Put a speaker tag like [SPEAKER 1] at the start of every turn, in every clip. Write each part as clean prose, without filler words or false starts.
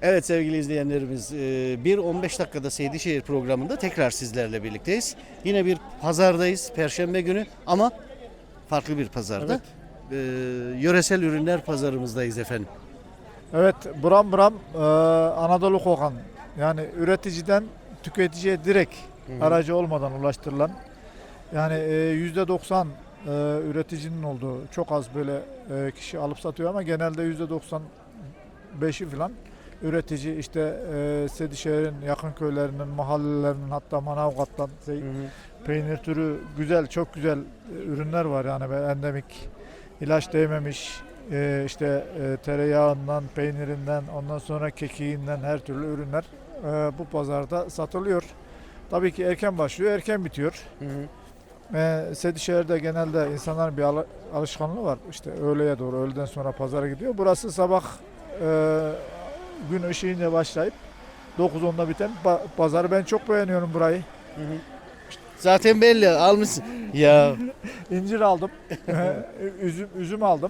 [SPEAKER 1] Evet sevgili izleyenlerimiz, bir 15 dakikada Seydişehir programında tekrar sizlerle birlikteyiz. Yine bir pazardayız, Perşembe günü ama farklı bir pazarda. Yöresel ürünler pazarımızdayız efendim.
[SPEAKER 2] Evet, buram buram Anadolu kokan, yani üreticiden tüketiciye direkt aracı olmadan ulaştırılan, yani %90 üreticinin olduğu, çok az böyle kişi alıp satıyor ama genelde %95'i falan üretici, işte Sedişehir'in yakın köylerinin, mahallelerinin, hatta Manavgat'tan peynir türü güzel, çok güzel ürünler var yani, böyle endemik, ilaç değmemiş. İşte tereyağından, peynirinden, ondan sonra kekiğinden her türlü ürünler bu pazarda satılıyor. Tabii ki erken başlıyor, erken bitiyor. Sedişehir'de genelde insanların bir alışkanlığı var. İşte öğleye doğru, öğleden sonra pazara gidiyor. Burası sabah gün ışığıyla başlayıp 9-10'da biten pazarı. Ben çok beğeniyorum burayı.
[SPEAKER 1] Zaten belli almışsın. Ya
[SPEAKER 2] İncir aldım, üzüm aldım.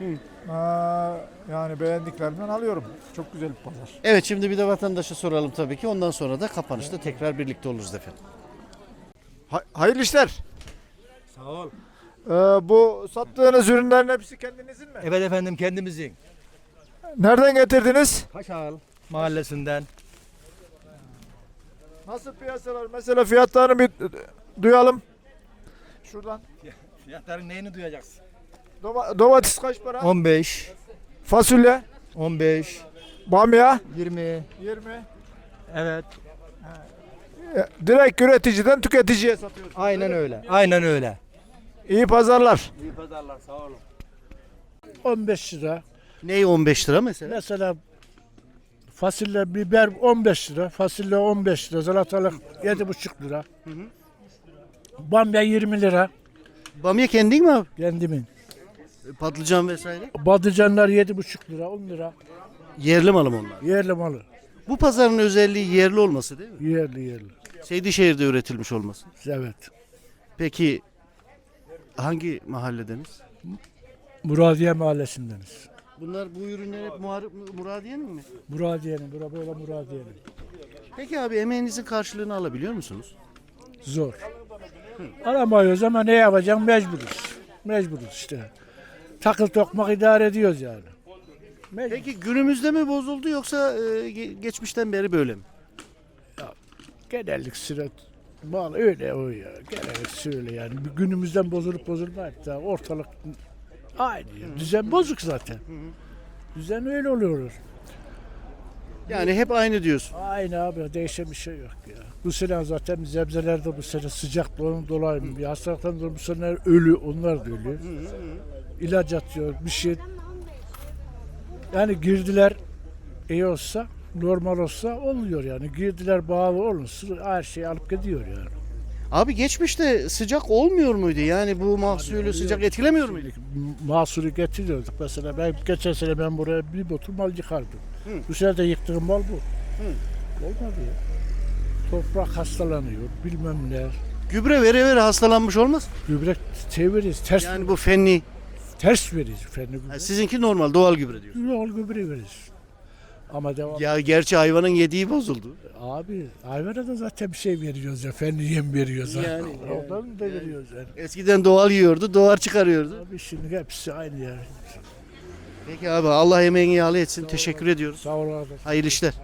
[SPEAKER 2] Yani beğendiklerimden alıyorum. Çok güzel bir pazar.
[SPEAKER 1] evet, şimdi bir de vatandaşa soralım tabii ki. Ondan sonra da kapanışta tekrar birlikte oluruz efendim.
[SPEAKER 2] Hayırlı işler.
[SPEAKER 3] Sağ ol.
[SPEAKER 2] Bu sattığınız ürünlerin hepsi kendinizin mi?
[SPEAKER 3] Evet efendim, kendimizin.
[SPEAKER 2] Nereden getirdiniz?
[SPEAKER 3] Kaşal mahallesinden.
[SPEAKER 2] Nasıl piyasalar? Mesela fiyatlarını bir duyalım. Şuradan.
[SPEAKER 3] Fiyatların neyini duyacaksın?
[SPEAKER 2] Domates kaç para?
[SPEAKER 3] 15,
[SPEAKER 2] Fasulye,
[SPEAKER 3] 15,
[SPEAKER 2] bamya
[SPEAKER 3] 20.
[SPEAKER 2] 20.
[SPEAKER 3] Evet.
[SPEAKER 2] Direkt üreticiden tüketiciye satıyorsunuz.
[SPEAKER 3] Aynen öyle. Aynen öyle.
[SPEAKER 2] İyi pazarlar.
[SPEAKER 3] İyi pazarlar, sağ olun.
[SPEAKER 4] 15 lira.
[SPEAKER 1] Ney 15 lira mesela?
[SPEAKER 4] Mesela fasulye, biber 15 lira. Fasulye 15 lira. Salatalık 7,5 lira. Bamya 20 lira.
[SPEAKER 1] Bamya kendin mi abi?
[SPEAKER 4] Kendimin.
[SPEAKER 1] Patlıcan vesaire.
[SPEAKER 4] Patlıcanlar 7,5 lira, 10 lira.
[SPEAKER 1] Yerli malı mı onlar?
[SPEAKER 4] Yerli malı.
[SPEAKER 1] Bu pazarın özelliği yerli olması değil mi?
[SPEAKER 4] Yerli.
[SPEAKER 1] Seydişehir'de üretilmiş olması.
[SPEAKER 4] Evet.
[SPEAKER 1] Peki hangi mahalledeniz?
[SPEAKER 4] Muradiye mahallesindeniz.
[SPEAKER 1] Bunlar bu ürünler hep Muradiye'nin mi?
[SPEAKER 4] Muradiye'nin, böyle Muradiye'nin.
[SPEAKER 1] Peki abi emeğinizin karşılığını alabiliyor musunuz?
[SPEAKER 4] Zor. Alamıyoruz ama ne yapacağım, mecburuz. Mecburuz işte. Takıl tokmak idare ediyoruz yani. Mecbur.
[SPEAKER 1] Peki günümüzde mi bozuldu yoksa geçmişten beri böyle mi?
[SPEAKER 4] Genellik süre mal öyle o ya. Genellik söyle yani. Günümüzden bozulup bozulmayıp da ortalık aynı ya. Düzen bozuk zaten. Düzen öyle oluyor.
[SPEAKER 1] Yani hep aynı diyorsun.
[SPEAKER 4] Aynı abi, değişen bir şey yok ya. Bu sene zaten sebzelerde bu sene sıcaklığın dolayı bir hastalıktan dolayı bu sene ölü, onlar da ölü. İlaç atıyor, bir şey. Yani girdiler iyi olsa, normal olsa oluyor yani. Girdiler bağlı olursa her şeyi alıp gidiyor yani.
[SPEAKER 1] Abi geçmişte sıcak olmuyor muydu? Yani bu mahsulü sıcak etkilemiyor muydu?
[SPEAKER 4] Mahsulü getiriyorduk mesela. Geçen sene ben buraya bir botul mal yıkardım. Bu sene de yıktığım mal bu. Olmadı ya. Toprak hastalanıyor, bilmem ne.
[SPEAKER 1] Gübre vere hastalanmış olmaz.
[SPEAKER 4] Gübre çeviririz, ters,
[SPEAKER 1] Yani bu fenli.
[SPEAKER 4] ters veririz. Fenli gübre.
[SPEAKER 1] Ha, sizinki normal doğal gübre diyorsun.
[SPEAKER 4] Yol gübre veririz. Ama devam.
[SPEAKER 1] Ya gerçi hayvanın yediği bozuldu.
[SPEAKER 4] Abi hayvana da zaten bir şey veriyoruz ya. Fenli yem veriyoruz.
[SPEAKER 1] Yani,
[SPEAKER 4] Ondan da veriyoruz yani.
[SPEAKER 1] Eskiden doğal yiyordu, doğar çıkarıyordu.
[SPEAKER 4] Abi şimdi hepsi aynı ya.
[SPEAKER 1] Peki abi Allah emeğini yağlı etsin. Teşekkür ediyoruz.
[SPEAKER 4] Sağ ol abi.
[SPEAKER 1] Hayırlı işler.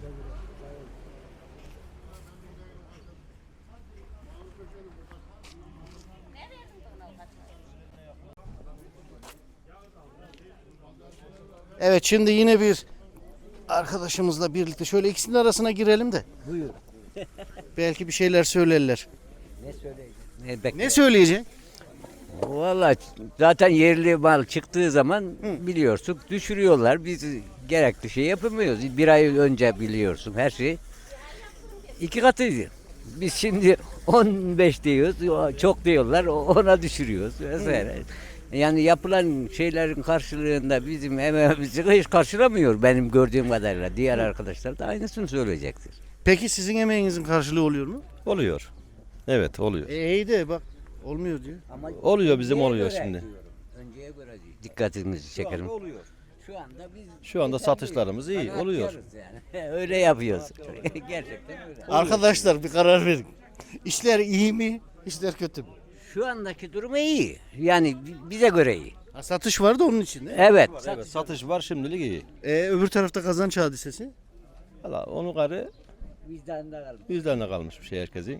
[SPEAKER 1] Evet, şimdi yine bir arkadaşımızla birlikte şöyle ikisinin arasına girelim de.
[SPEAKER 5] Buyur.
[SPEAKER 1] Belki bir şeyler söylerler.
[SPEAKER 5] Ne söyleyecek?
[SPEAKER 1] Ne söyleyecek?
[SPEAKER 5] Valla zaten yerli mal çıktığı zaman biliyorsun düşürüyorlar. Biz gerekli şey yapamıyoruz. Bir ay önce biliyorsun her şey. 2 katıydı. Biz şimdi 15 diyoruz. Çok diyorlar. Ona düşürüyoruz vesaire. Yani yapılan şeylerin karşılığında bizim emeğimizi hiç karşılamıyor benim gördüğüm kadarıyla. Diğer arkadaşlar da aynısını söyleyecektir.
[SPEAKER 1] Peki sizin emeğinizin karşılığı oluyor mu?
[SPEAKER 6] Oluyor. Evet oluyor.
[SPEAKER 1] İyi de bak olmuyor diyor.
[SPEAKER 5] Ama
[SPEAKER 6] Oluyor bizim
[SPEAKER 5] önceye
[SPEAKER 6] oluyor
[SPEAKER 5] göre
[SPEAKER 6] şimdi.
[SPEAKER 5] diyorum. Önceye göre diyor. Dikkatinizi çekerim.
[SPEAKER 6] Oluyor.
[SPEAKER 5] Şu anda biz
[SPEAKER 6] Şu anda satışlarımız iyi
[SPEAKER 5] Kanaat
[SPEAKER 6] oluyor.
[SPEAKER 5] yarız Yani. Öyle yapıyoruz. Gerçekten öyle.
[SPEAKER 1] Arkadaşlar bir karar verin. İşler iyi mi? İşler kötü mü?
[SPEAKER 5] Şu andaki durumu iyi. Yani bize göre iyi.
[SPEAKER 1] Ha, satış var da onun için.
[SPEAKER 5] Evet.
[SPEAKER 6] Evet, satış var şimdilik iyi.
[SPEAKER 1] Öbür tarafta kazanç hadisesi.
[SPEAKER 6] Valla onun karı
[SPEAKER 5] Vicdanında kalmış.
[SPEAKER 6] yüzlerine kalmış bir şey herkesin.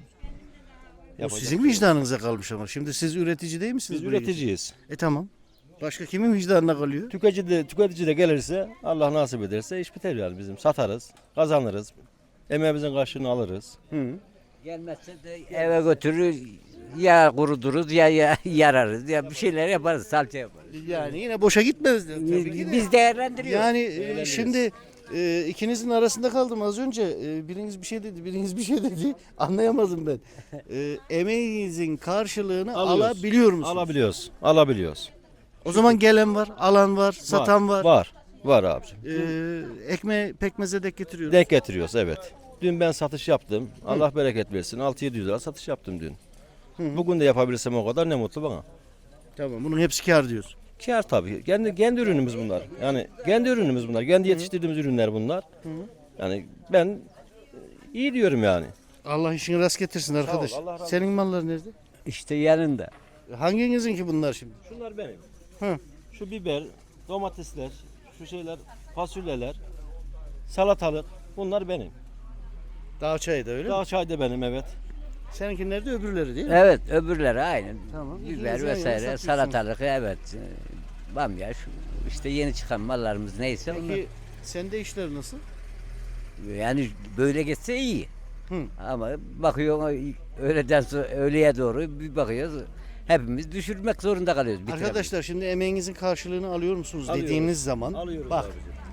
[SPEAKER 1] O
[SPEAKER 6] Yapacak
[SPEAKER 1] sizin
[SPEAKER 6] bir şey yok.
[SPEAKER 1] vicdanınıza kalmış ama. Şimdi siz üretici değil misiniz?
[SPEAKER 6] Biz
[SPEAKER 1] buraya
[SPEAKER 6] üreticiyiz.
[SPEAKER 1] Tamam. Başka kimin vicdanına kalıyor?
[SPEAKER 6] Tüketici de gelirse Allah nasip ederse iş biter yani bizim. Satarız, kazanırız. Emeğimizin karşılığını alırız.
[SPEAKER 5] Gelmezse de eve götürür ya kuruduruz ya yararız ya bir şeyler yaparız salça yaparız.
[SPEAKER 1] Yani yine boşa gitmez de, tabii ki de.
[SPEAKER 5] Biz değerlendiriyoruz.
[SPEAKER 1] Yani şimdi ikinizin arasında kaldım az önce. Biriniz bir şey dedi, biriniz bir şey dedi. Anlayamadım ben. Emeğinizin karşılığını
[SPEAKER 6] Alıyoruz.
[SPEAKER 1] alabiliyor musunuz?
[SPEAKER 6] Alabiliyoruz.
[SPEAKER 1] O zaman gelen var, alan var, satan var.
[SPEAKER 6] Var abicim.
[SPEAKER 1] Ekmeği pekmeze dek getiriyoruz.
[SPEAKER 6] Denk getiriyoruz evet. Dün ben satış yaptım. Allah bereket versin. 6-700 lira satış yaptım dün. Bugün de yapabilirsem o kadar ne mutlu bana.
[SPEAKER 1] Tamam, bunun hepsi kar diyorsun.
[SPEAKER 6] Kâr tabii. Kendi ürünümüz bunlar. Yani kendi ürünümüz bunlar. Kendi yetiştirdiğimiz ürünler bunlar. Yani ben iyi diyorum yani.
[SPEAKER 1] Allah işini rast getirsin arkadaş.
[SPEAKER 6] Allah razı olsun.
[SPEAKER 1] Senin mallar nerede?
[SPEAKER 5] İşte yanında.
[SPEAKER 1] Hanginizin ki bunlar şimdi?
[SPEAKER 6] Şunlar benim.
[SPEAKER 1] Hı.
[SPEAKER 6] Şu biber, domatesler, şu şeyler, fasulyeler, salatalık bunlar benim.
[SPEAKER 1] Dağ çayı da öyle mi?
[SPEAKER 6] Dağ çay da benim evet.
[SPEAKER 1] Seninki nerede? Öbürleri değil mi?
[SPEAKER 5] Evet öbürleri aynen.
[SPEAKER 1] Tamam.
[SPEAKER 5] Biber
[SPEAKER 1] İkiniz yan yana
[SPEAKER 5] vesaire
[SPEAKER 1] satıyorsunuz.
[SPEAKER 5] salatalık evet. Bamya şu işte yeni çıkan mallarımız neyse onlar.
[SPEAKER 1] Peki sende işler nasıl?
[SPEAKER 5] Yani böyle geçse iyi.
[SPEAKER 1] Hı.
[SPEAKER 5] Ama bakıyor öğleden sonra öğleye doğru bir bakıyoruz. Hepimiz düşürmek zorunda kalıyoruz. bitiremeyiz.
[SPEAKER 1] Arkadaşlar şimdi emeğinizin karşılığını alıyor musunuz
[SPEAKER 6] Alıyoruz.
[SPEAKER 1] dediğiniz zaman
[SPEAKER 6] Alıyoruz
[SPEAKER 1] bak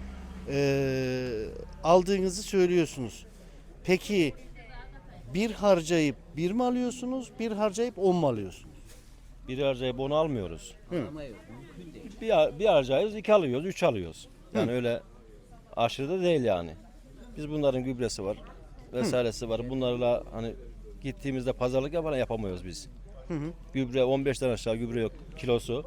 [SPEAKER 6] abicim.
[SPEAKER 1] aldığınızı söylüyorsunuz. Peki bir harcayıp bir mi alıyorsunuz, bir harcayıp 10 mu alıyorsunuz?
[SPEAKER 6] Bir harcayıp onu almıyoruz.
[SPEAKER 5] Ama yok, mümkün değil.
[SPEAKER 6] Bir harcayız, 2 alıyoruz, 3 alıyoruz. Yani öyle aşırı da değil yani. Biz bunların gübresi var, vesairesi var. Bunlarla hani gittiğimizde pazarlık yapamıyoruz biz. Gübre 15'ten aşağı gübre yok kilosu.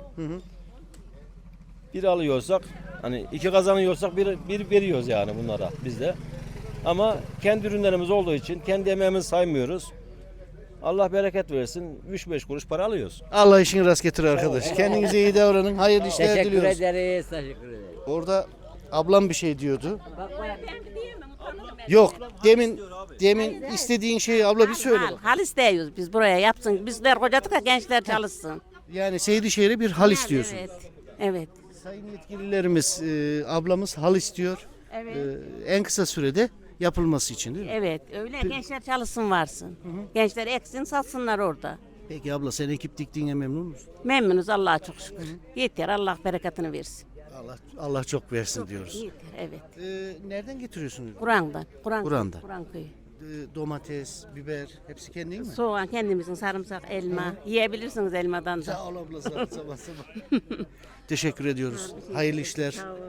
[SPEAKER 6] Bir alıyorsak hani 2 kazanıyorsak bir veriyoruz yani bunlara biz de. Ama kendi ürünlerimiz olduğu için kendi emeğimizi saymıyoruz. Allah bereket versin 3-5 kuruş para alıyoruz.
[SPEAKER 1] Allah işini rast getir arkadaş. Kendinize iyi davranın. Hayırlı işler
[SPEAKER 5] Teşekkür
[SPEAKER 1] diliyoruz.
[SPEAKER 5] ederiz, teşekkür ederiz.
[SPEAKER 1] Orada ablam bir şey diyordu.
[SPEAKER 5] Bak,
[SPEAKER 1] Yok. Demin istediğin şeyi abla bir söyle bak.
[SPEAKER 7] Hal istiyoruz biz buraya yapsın. Bizler kocadık ya gençler çalışsın.
[SPEAKER 1] Yani Seydişehir'e bir hal istiyorsun.
[SPEAKER 7] Evet. Evet.
[SPEAKER 1] Sayın yetkililerimiz, ablamız hal istiyor.
[SPEAKER 7] Evet.
[SPEAKER 1] En kısa sürede yapılması için değil mi?
[SPEAKER 7] Evet. Öyle gençler çalışsın varsın. Gençler eksin satsınlar orada.
[SPEAKER 1] Peki abla sen ekip diktiğine memnun musun?
[SPEAKER 7] Memnunuz Allah'a çok şükür. Yeter Allah bereketini versin.
[SPEAKER 1] Allah çok versin diyoruz.
[SPEAKER 7] Yeter evet.
[SPEAKER 1] Nereden getiriyorsunuz?
[SPEAKER 7] Kur'an'dan.
[SPEAKER 1] Kur'an'dan.
[SPEAKER 7] Kur'an köyü.
[SPEAKER 1] Domates, biber hepsi kendin mi?
[SPEAKER 7] Soğan kendimizin sarımsak, elma. Yiyebilirsiniz elmadan da.
[SPEAKER 1] Sağ ol abla sabah sabah. Teşekkür ediyoruz. Hayırlı işler.
[SPEAKER 7] Sağ ol.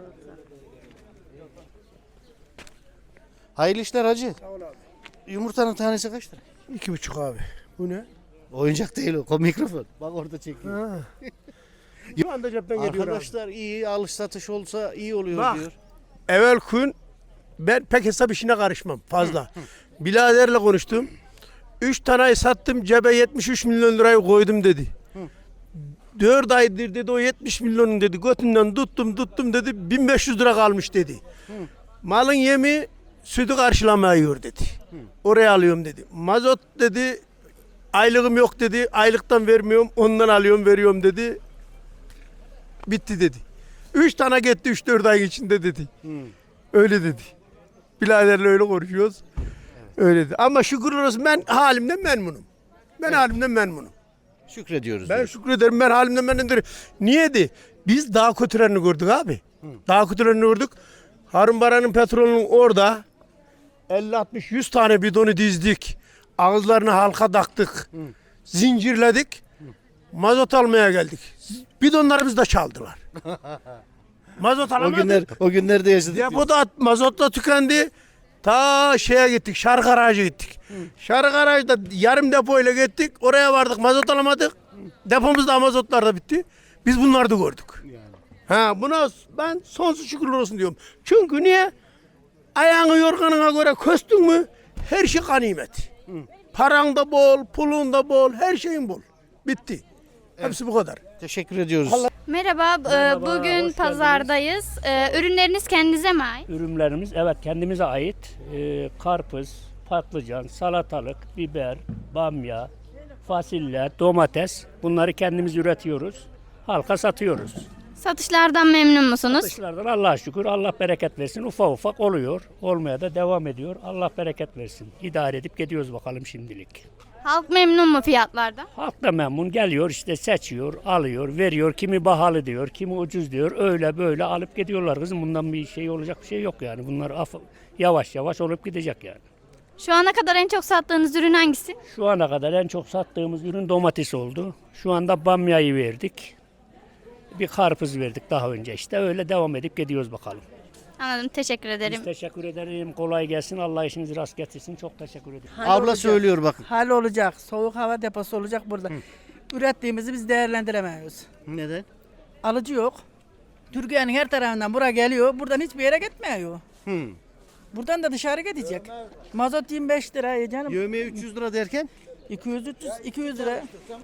[SPEAKER 1] Hayırlı işler hacı. Yumurtanın tanesi kaç lira?
[SPEAKER 8] 2,5 abi. Bu ne?
[SPEAKER 1] Oyuncak değil o mikrofon. Bak orada çekiyor.
[SPEAKER 8] Ha. Şu anda cepten geliyor abi.
[SPEAKER 1] Arkadaşlar iyi alış satış olsa iyi oluyor
[SPEAKER 8] Bak.
[SPEAKER 1] diyor.
[SPEAKER 8] Evvel gün ben pek hesap işine karışmam fazla. Biraderle konuştum. 3 taneyi sattım cebe 73 milyon lirayı koydum dedi. 4 aydır dedi o 70 milyonun dedi götünden tuttum dedi 1500 lira kalmış dedi. Malın yemi sütü karşılamıyor dedi. Oraya alıyorum dedi. Mazot dedi aylığım yok dedi. Aylıktan vermiyorum ondan alıyorum veriyorum dedi. Bitti dedi. 3 tane gitti 3-4 ay içinde dedi. Öyle dedi. Biraderle öyle konuşuyoruz. Öyle dedi. Ama şükürler olsun ben halimden memnunum. Ben halimden memnunum.
[SPEAKER 1] Şükrediyoruz.
[SPEAKER 8] Ben
[SPEAKER 1] diyor.
[SPEAKER 8] şükrederim ben halimden memnunum. Niye de? Biz daha kötülerini gördük abi. Daha kötülerini gördük. Harun Baran'ın petrolünün orada 50-60-100 tane bidonu dizdik. Ağızlarını halka taktık. Zincirledik. Mazot almaya geldik. Bidonlarımızı da çaldılar. Mazot alamadık.
[SPEAKER 1] O günlerde yaşadık.
[SPEAKER 8] Depo da mazotla tükendi. Ta şeye gittik. Şarkı Garaj'a gittik. Şarkı Garaj'da yarım depoyla gittik. Oraya vardık. Mazot alamadık. Depomuzda mazotlar da bitti. Biz bunları da gördük. Ha, buna ben sonsuz şükürler olsun diyorum. Çünkü niye? Ayağını yorganına göre köstün mü her şey ganimet. Paran da bol, pulun da bol, her şeyin bol. Bitti. Hepsi bu kadar.
[SPEAKER 1] Teşekkür ediyoruz.
[SPEAKER 9] Merhaba, bugün pazardayız. Ürünleriniz kendinize mi ait?
[SPEAKER 10] Ürünlerimiz evet kendimize ait. Karpuz, patlıcan, salatalık, biber, bamya, fasulye, domates bunları kendimiz üretiyoruz. Halka satıyoruz.
[SPEAKER 9] Satışlardan memnun musunuz?
[SPEAKER 10] Satışlardan Allah'a şükür Allah bereket versin. Ufak ufak oluyor. Olmaya da devam ediyor. Allah bereket versin. İdare edip gidiyoruz bakalım şimdilik.
[SPEAKER 9] Halk memnun mu fiyatlardan?
[SPEAKER 10] Halk da memnun geliyor işte seçiyor, alıyor, veriyor. Kimi pahalı diyor, kimi ucuz diyor. Öyle böyle alıp gidiyorlar kızım. Bundan bir şey olacak bir şey yok yani. Bunlar yavaş yavaş olup gidecek yani.
[SPEAKER 9] Şu ana kadar en çok sattığınız ürün hangisi?
[SPEAKER 10] Şu ana kadar en çok sattığımız ürün domates oldu. Şu anda bamyayı verdik. Bir karpuz verdik daha önce işte. Öyle devam edip gidiyoruz bakalım.
[SPEAKER 9] Anladım, teşekkür ederim.
[SPEAKER 10] Biz teşekkür ederim. Kolay gelsin. Allah işinizi rast getirsin. Çok teşekkür ederim.
[SPEAKER 1] Abla söylüyor bakın.
[SPEAKER 11] Hal olacak. Soğuk hava deposu olacak burada. Ürettiğimizi biz değerlendiremiyoruz.
[SPEAKER 1] Neden?
[SPEAKER 11] Alıcı yok. Türkiye'nin her tarafından buraya geliyor. Buradan hiçbir yere gitmiyor. Buradan da dışarı gidecek. Mazot 25 lira canım.
[SPEAKER 1] Yövmeye 300 lira derken?
[SPEAKER 11] 200 300 200 lira.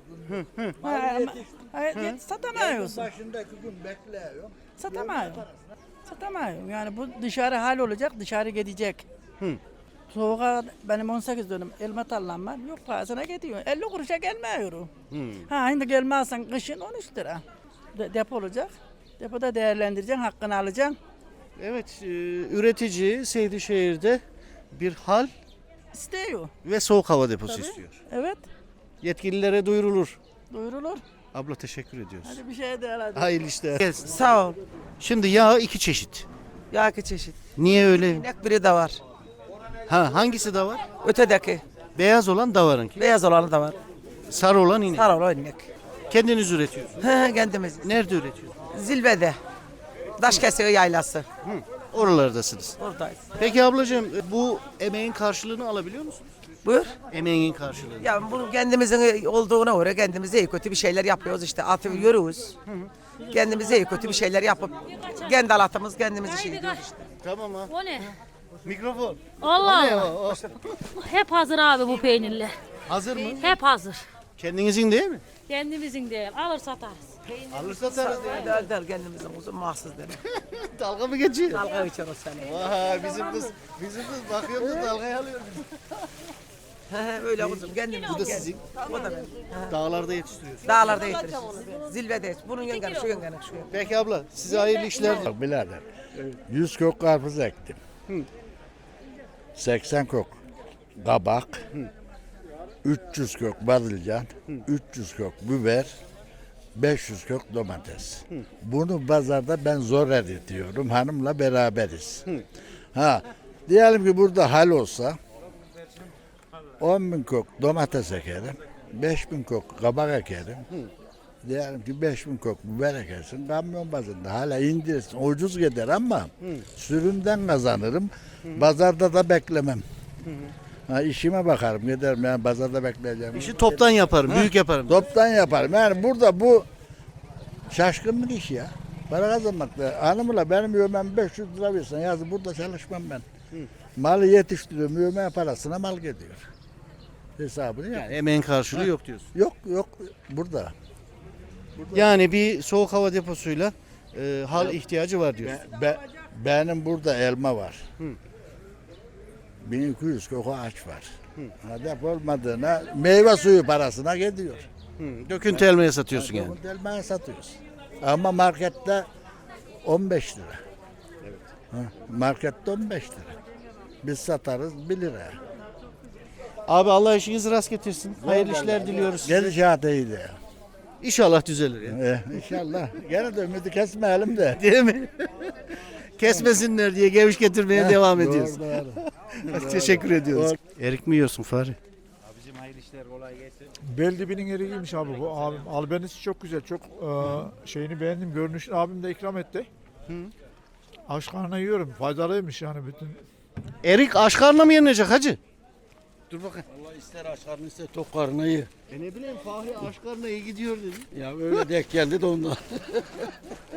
[SPEAKER 11] Satamıyoruz. Satamıyor. Satamıyor. Yani bu dışarı hal olacak, dışarı gidecek. Soğuğa benim 18 dönüm elma tarlam var. Yok pahasına gidiyor. 50 kuruşa gelmiyor. Ha şimdi gelmezsen kışın 13 lira. Depo olacak. Depoda değerlendireceksin, hakkını alacaksın.
[SPEAKER 1] Evet, üretici Seydişehir'de bir hal
[SPEAKER 11] İstiyor.
[SPEAKER 1] ve soğuk hava deposu
[SPEAKER 11] Tabii.
[SPEAKER 1] istiyor.
[SPEAKER 11] Evet.
[SPEAKER 1] Yetkililere duyurulur.
[SPEAKER 11] Duyurulur.
[SPEAKER 1] Abla teşekkür ediyoruz.
[SPEAKER 11] Hadi bir şey de hadi.
[SPEAKER 1] Hayırlı işler.
[SPEAKER 11] Sağ ol.
[SPEAKER 1] Şimdi yağ iki çeşit.
[SPEAKER 11] Yağ iki çeşit.
[SPEAKER 1] Niye öyle?
[SPEAKER 11] İnek biri de var.
[SPEAKER 1] Ha, hangisi de var?
[SPEAKER 11] Ötedeki.
[SPEAKER 1] Beyaz olan davarınki.
[SPEAKER 11] Beyaz olanı da var.
[SPEAKER 1] Sarı olan inek.
[SPEAKER 11] Sarı olan inek.
[SPEAKER 1] Kendiniz üretiyorsunuz.
[SPEAKER 11] Kendimiz.
[SPEAKER 1] Nerede üretiyorsunuz?
[SPEAKER 11] Zilvede. Daşkesiyor yaylası.
[SPEAKER 1] Oralardasınız.
[SPEAKER 11] Oradayız.
[SPEAKER 1] Peki ablacığım bu emeğin karşılığını alabiliyor musunuz?
[SPEAKER 11] Buyur.
[SPEAKER 1] Emeğin karşılığını.
[SPEAKER 11] Ya bu kendimizin olduğuna göre kendimize iyi kötü bir şeyler yapıyoruz işte. Atıyoruz. Kendimize iyi kötü bir şeyler yapıp kendi alatımız kendimiz şey ediyoruz işte.
[SPEAKER 1] Tamam ha.
[SPEAKER 12] O ne?
[SPEAKER 1] Mikrofon.
[SPEAKER 12] Allah
[SPEAKER 1] Ne
[SPEAKER 12] Allah.
[SPEAKER 1] o?
[SPEAKER 12] Hep hazır abi bu peynirler.
[SPEAKER 1] Hazır mı?
[SPEAKER 12] Hep hazır.
[SPEAKER 1] Kendinizin değil mi?
[SPEAKER 12] Kendimizin değil. Alır satarız.
[SPEAKER 1] Alır satarız diye.
[SPEAKER 11] Der kendimizin uzun mahsus der.
[SPEAKER 1] Dalga mı geçiyor?
[SPEAKER 11] Dalga geçer o seni.
[SPEAKER 1] Vay bizim kız bakıyor da dalgaya alıyor.
[SPEAKER 11] Öyle uzun kendimiz.
[SPEAKER 1] Bu da sizin.
[SPEAKER 11] O da benim.
[SPEAKER 1] Dağlarda yetiştiriyorsunuz.
[SPEAKER 11] Dağlarda yetiriyoruz. Zilvedeyiz. Bunun yengeni şu yengeni şu yengeni.
[SPEAKER 1] Peki abla size hayırlı işler.
[SPEAKER 13] Birader, 100 kök karpuz ektim. 80 kök kabak, 300 kök badılcan, 300 kök biber, 500 kök domates. Bunu pazarda ben zor ediyorum. Hanımla beraberiz. Ha, diyelim ki burada hal olsa 10.000 kök domates ekerim, 5.000 kök kabak ekerim. Diyelim ki 5.000 kök biber ekersin, kamyon bazında hala indirirsin. Ucuz gider ama sürümden kazanırım. Pazarda da beklemem. Ha, işime bakarım, giderim yani pazarda bekleyeceğim.
[SPEAKER 1] İşi toptan yaparım, büyük yaparım.
[SPEAKER 13] Toptan yaparım. Yani burada bu şaşkınlık iş ya. Para kazanmakta. Hanımla benim yövmem 500 lira versen yazın burada çalışmam ben. Malı yetiştiriyorum, yövme parasına mal gidiyor. Hesabını yap.
[SPEAKER 1] Yani emeğin karşılığı yok diyorsun.
[SPEAKER 13] Yok burada.
[SPEAKER 1] Yani bir soğuk hava deposuyla hal ihtiyacı var diyorsun.
[SPEAKER 13] Benim burada elma var. 1200 kök ağaç var. Hedef olmadığına meyve suyu parasına gidiyor.
[SPEAKER 1] Döküntü elmaya satıyorsun yani.
[SPEAKER 13] Döküntü elmaya satıyoruz. Ama markette 15 lira. Evet. Markette 15 lira. Biz satarız 1 lira.
[SPEAKER 1] Abi Allah işinizi rast getirsin. Hayırlı işler diliyoruz size.
[SPEAKER 13] Gidişat iyiydi ya.
[SPEAKER 1] İnşallah düzelir ya.
[SPEAKER 13] İnşallah. Gene de ümidi kesmeyelim de.
[SPEAKER 1] Değil mi? Kesmesinler diye geviş getirmeye devam ediyoruz.
[SPEAKER 13] Doğru.
[SPEAKER 1] Teşekkür ediyoruz. Erik mi yiyorsun Fahri?
[SPEAKER 3] Abicim hayırlı işler kolay gelsin.
[SPEAKER 2] Beldibinin eriymiş abi bu abim. Albenisi çok güzel. Çok şeyini beğendim. Görünüşünü abim de ikram etti. Aç karnına yiyorum. Faydalıymış yani bütün.
[SPEAKER 1] Erik aç karnına mı yenilecek hacı? Dur bakayım.
[SPEAKER 3] Allah ister aç karnı ister tok karnı iyi.
[SPEAKER 1] Ne bileyim Fahri aç karnına iyi gidiyor dedi.
[SPEAKER 3] Ya öyle denk geldi de ondan.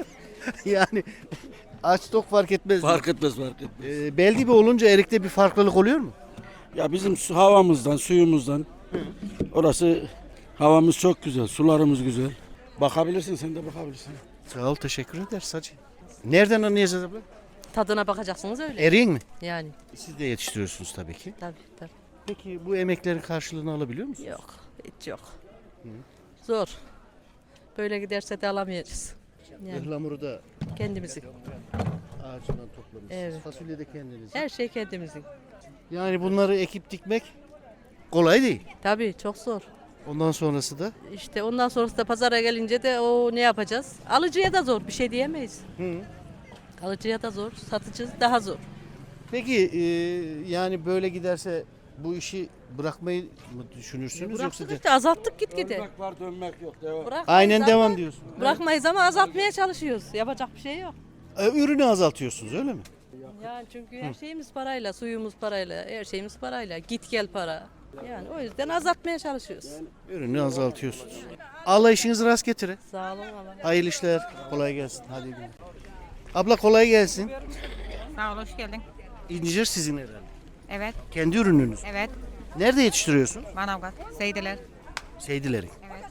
[SPEAKER 1] Yani aç tok fark etmez.
[SPEAKER 3] Fark etmez, fark etmez.
[SPEAKER 1] Beldibi olunca erikte bir farklılık oluyor mu?
[SPEAKER 3] Ya bizim havamızdan, suyumuzdan. Orası havamız çok güzel, sularımız güzel. Bakabilirsin, sen de bakabilirsin.
[SPEAKER 1] Sağ ol, teşekkür ederiz hacı. Nereden anlayacağız abla?
[SPEAKER 11] Tadına bakacaksınız öyle.
[SPEAKER 1] Eriğin mi?
[SPEAKER 11] Yani
[SPEAKER 1] Siz de yetiştiriyorsunuz tabii ki.
[SPEAKER 11] tabii.
[SPEAKER 1] Peki bu emeklerin karşılığını alabiliyor musunuz?
[SPEAKER 11] Yok, hiç yok. Zor. Böyle giderse de alamayacağız. Yani
[SPEAKER 1] Ihlamuru da
[SPEAKER 11] kendimizin.
[SPEAKER 1] ağacından toplamışsınız.
[SPEAKER 11] Evet.
[SPEAKER 1] Fasulye de kendiniz.
[SPEAKER 11] Her şey kendimizin.
[SPEAKER 1] Yani bunları ekip dikmek kolay değil.
[SPEAKER 11] Tabii çok zor.
[SPEAKER 1] Ondan sonrası da
[SPEAKER 11] İşte ondan sonrası da pazara gelince de o ne yapacağız? Alıcıya da zor, bir şey diyemeyiz. Alıcıya da zor, satıcı daha zor.
[SPEAKER 1] Peki yani böyle giderse bu işi bırakmayı mı düşünürsünüz yoksa
[SPEAKER 11] Bıraktık
[SPEAKER 1] de...
[SPEAKER 11] işte, azalttık gitgide.
[SPEAKER 3] Dönmek var, dönmek yok. Devam.
[SPEAKER 11] Bırakmayız
[SPEAKER 1] Aynen
[SPEAKER 11] ama-
[SPEAKER 1] devam diyorsun.
[SPEAKER 11] Bırakmayız ama azaltmaya çalışıyoruz. Yapacak bir şey yok.
[SPEAKER 1] Ürünü azaltıyorsunuz öyle mi?
[SPEAKER 11] Yani çünkü her şeyimiz parayla, suyumuz parayla, her şeyimiz parayla. Git gel para. Yani o yüzden azaltmaya çalışıyoruz.
[SPEAKER 1] Ürünü azaltıyorsunuz. Allah işinizi rast getire.
[SPEAKER 11] Sağ olun Allah.
[SPEAKER 1] Hayırlı işler. Kolay gelsin. Hadi gidelim. Abla kolay gelsin.
[SPEAKER 12] Sağ ol, hoş geldin.
[SPEAKER 1] İncir sizin herhalde.
[SPEAKER 12] Evet,
[SPEAKER 1] Kendi ürününüz.
[SPEAKER 12] evet.
[SPEAKER 1] Nerede yetiştiriyorsun?
[SPEAKER 12] Manavgat, Seydiler.
[SPEAKER 1] Seydileri.
[SPEAKER 12] Evet.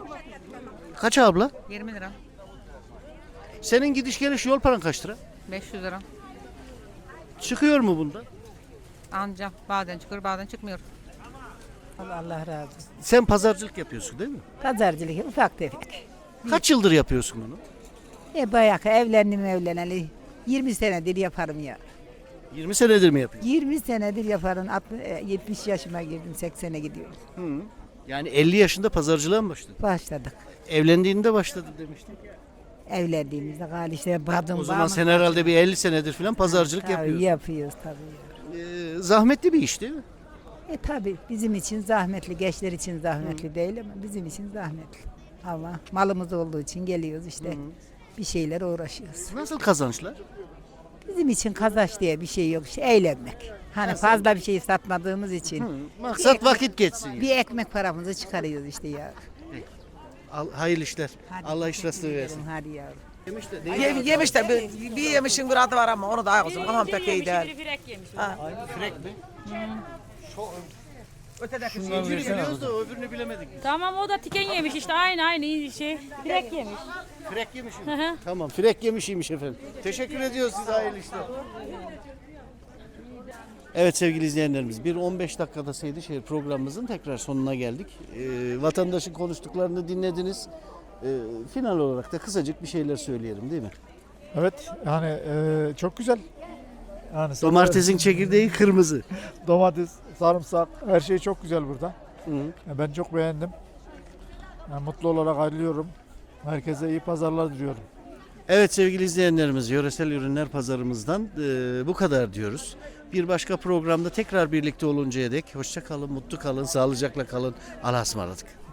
[SPEAKER 1] Kaç abla?
[SPEAKER 12] 20 lira,
[SPEAKER 1] Senin gidiş geliş yol paran kaç lira?
[SPEAKER 12] 500 lira.
[SPEAKER 1] Çıkıyor mu bunda?
[SPEAKER 12] Anca bazen çıkıyor, bazen çıkmıyor.
[SPEAKER 11] Allah razı olsun.
[SPEAKER 1] Sen pazarcılık yapıyorsun değil mi?
[SPEAKER 11] Pazarcılık ufak tefek.
[SPEAKER 1] Kaç yıldır yapıyorsun bunu?
[SPEAKER 11] Bayağı evlendim evleneli. 20 senedir yaparım ya.
[SPEAKER 1] 20 senedir mi yapıyorsun?
[SPEAKER 11] 20 senedir yaparım. 70 yaşıma girdim, 80'e gidiyorum.
[SPEAKER 1] Yani 50 yaşında pazarcılığa mı başladın?
[SPEAKER 11] Başladık.
[SPEAKER 1] Evlendiğinde başladım demiştin.
[SPEAKER 11] Evlendiğimizde gali işte badım
[SPEAKER 1] O zaman sen herhalde bir 50 senedir falan pazarcılık yapıyorsun.
[SPEAKER 11] Yapıyoruz tabii.
[SPEAKER 1] Zahmetli bir iş değil mi?
[SPEAKER 11] Tabii bizim için zahmetli, gençler için zahmetli değil ama bizim için zahmetli. Ama malımız olduğu için geliyoruz işte bir şeyler uğraşıyoruz.
[SPEAKER 1] Nasıl kazançlar?
[SPEAKER 11] Bizim için kazanç diye bir şey yok, işte eğlenmek. Hani fazla bir şey satmadığımız için
[SPEAKER 1] Maksat vakit geçsin. yani.
[SPEAKER 11] bir ekmek paramızı çıkarıyoruz işte ya.
[SPEAKER 1] Hayırlı işler.
[SPEAKER 11] Hadi
[SPEAKER 1] Allah iş
[SPEAKER 11] teşekkür
[SPEAKER 1] rastlığı
[SPEAKER 11] ederim,
[SPEAKER 1] versin.
[SPEAKER 11] hadi yavrum.
[SPEAKER 14] Yemiş de bir yemişin bir adı var ama onu da kızım kafam pek iyi değil.
[SPEAKER 12] Frek yemiş.
[SPEAKER 1] Frek mi?
[SPEAKER 14] Ötedeki
[SPEAKER 1] İnciri biliyoruz da öbürünü bilemedik.
[SPEAKER 12] Tamam, o da tiken yemiş işte, aynı şey. Frek yemiş.
[SPEAKER 1] Frek yemişim.
[SPEAKER 12] hı.
[SPEAKER 1] Tamam, frek yemişiymiş efendim. Teşekkür ediyoruz size, hayırlı işler. Evet sevgili izleyenlerimiz, bir 15 dakikada Seydişehir programımızın tekrar sonuna geldik. Vatandaşın konuştuklarını dinlediniz. Final olarak da kısacık bir şeyler söyleyelim değil mi?
[SPEAKER 2] Evet yani çok güzel. Yani
[SPEAKER 1] Domatesin çekirdeği kırmızı.
[SPEAKER 2] domates, sarımsak her şey çok güzel burada.
[SPEAKER 1] Hı.
[SPEAKER 2] Ben çok beğendim. Yani mutlu olarak ayrılıyorum. Herkese iyi pazarlar diliyorum.
[SPEAKER 1] Evet sevgili izleyenlerimiz, yöresel ürünler pazarımızdan bu kadar diyoruz. Bir başka programda tekrar birlikte oluncaya dek hoşça kalın, mutlu kalın, sağlıcakla kalın. Allah'a ısmarladık.